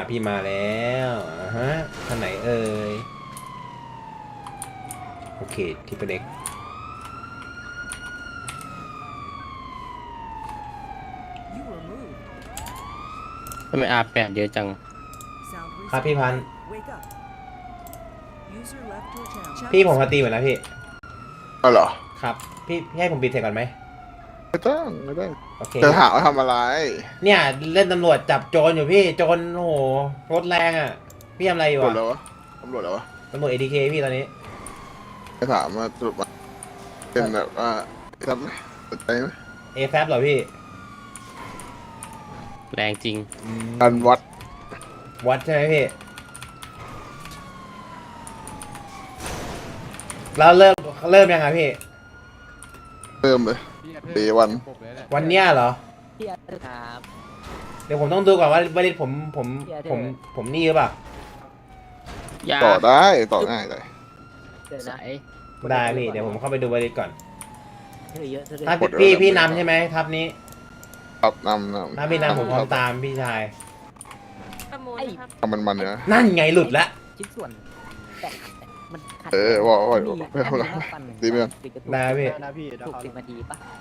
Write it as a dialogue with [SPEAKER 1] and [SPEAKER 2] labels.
[SPEAKER 1] พี่มาแล้วฮะท่านไหนเอ่ยโอเคที่เป็นเด็ก
[SPEAKER 2] ทำไมR8เยอะจัง
[SPEAKER 1] ครับพี่พันธุ์พี่ผมมาตีเหมือนนะพี่
[SPEAKER 3] อ๋อเหรอ
[SPEAKER 1] ครับพี่ให้ผมปิดเสร็จก่อนไหม
[SPEAKER 3] ไม่ต้องไม่ต้อง
[SPEAKER 1] โอเค
[SPEAKER 3] จะถามว่าทำอะไร
[SPEAKER 1] เนี่ยเล่นตำรวจจับโจรอยู่พี่โจรโอ้โหรถแรงอ่ะพี่ทำอะไรอยู่
[SPEAKER 3] ตำรวจ
[SPEAKER 1] อ่ะ
[SPEAKER 3] แล้ววะตำรวจแล้ววะ
[SPEAKER 1] ตำรวจ ATK พี่ตอนนี้
[SPEAKER 3] จะถามว่าสรุปว่าเป็นแบบว่าทำไหมสนใจไหม
[SPEAKER 1] AFAB เหรอพี่
[SPEAKER 2] แรงจริง
[SPEAKER 3] การวัด
[SPEAKER 1] วัดใช่ไหมพี่แล้วเริ่มยังไงพี่
[SPEAKER 3] เริ่มเลยเดวัน
[SPEAKER 1] วันเนี้ยเหรอ
[SPEAKER 4] พี่อาร์ตครับ
[SPEAKER 1] เดี๋ยวผมต้องดูก่อนว่าวันนี้ผม
[SPEAKER 4] เดี๋ยว
[SPEAKER 1] ผมนี่หรือเปล่า
[SPEAKER 2] ยา
[SPEAKER 3] ต่อได้ต่อง่ายเลย
[SPEAKER 4] เดี๋ยว
[SPEAKER 2] ใส
[SPEAKER 4] นะ
[SPEAKER 1] ได้พี่เดี๋ยวผมเข้าไปดูวันนี้ก่อน
[SPEAKER 4] เธอเยอะเธอเย
[SPEAKER 1] ถ้า
[SPEAKER 4] อะ
[SPEAKER 1] พี่นำใช่ไหมทับนี้
[SPEAKER 3] ครับนำ
[SPEAKER 1] ถ้าพี่นำผมพร้อมตามพี่ชาย
[SPEAKER 5] ประมูลนะครับ
[SPEAKER 3] ทำมันเนี่ย
[SPEAKER 1] นั่นไงหลุดละ
[SPEAKER 4] ชิ้นส่วนแต่มันขัด
[SPEAKER 3] ว่า
[SPEAKER 4] มี
[SPEAKER 3] ไม่ทำอะไร
[SPEAKER 4] ปั้น
[SPEAKER 3] ดีไหม
[SPEAKER 4] ปิดกระตุก
[SPEAKER 1] ได้พี่
[SPEAKER 4] ถูก10 นาทีปะ